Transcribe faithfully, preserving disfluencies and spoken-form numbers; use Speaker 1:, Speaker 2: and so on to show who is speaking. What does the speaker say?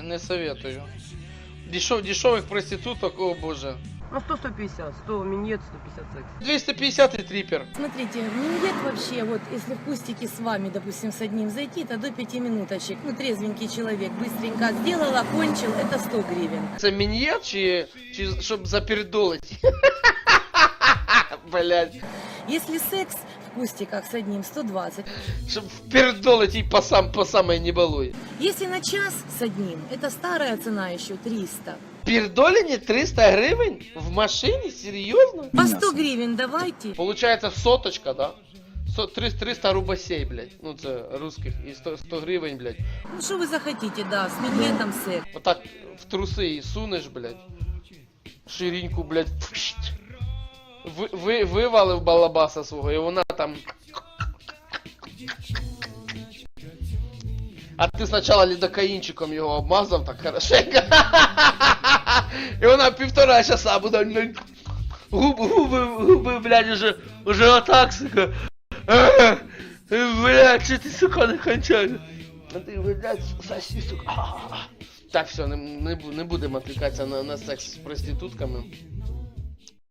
Speaker 1: не советую. Дешев, дешевых проституток, о боже.
Speaker 2: Ну сто сто пятьдесят, сто минет, сто пятьдесят секс.
Speaker 1: двести пятьдесят и трипер.
Speaker 3: Смотрите, миньет вообще, вот если в кустике с вами, допустим, с одним зайти, то до пяти минуточек. Ну, трезвенький человек, быстренько сделал, окончил, это сто гривен.
Speaker 1: Це мін'єт чи, чи щоб запердолить? Блять.
Speaker 3: Если секс в кустиках с одним, сто двадцать.
Speaker 1: Щоб впердолить и по, сам, по самой не балуй.
Speaker 3: Если на час с одним, это старая цена еще, триста.
Speaker 1: Пердолине триста гривен? В машине? Серьезно?
Speaker 3: По сто гривен давайте.
Speaker 1: Получается соточка, да? Со- триста, триста рубасей, блядь. Ну, це русских. И сто, сто гривен, блядь.
Speaker 3: Ну, что вы захотите, да, с миньетом секс.
Speaker 1: Вот так в трусы и сунешь, блядь. Ширинку, блядь. Пшт. Ви, ви, вивалив балабаса свого, і вона там. А ти спочатку лідокаїнчиком його обмазав так хорошенько. І вона півтора часа буде, блядь, губи, губи, губи, блядь, уже, уже отак, сука. Блядь, чи ти, сука, не кончаєш? А ти, блядь, соси, сука. Так, все, не, не, бу- не будемо відвлікатися на, на секс з проститутками.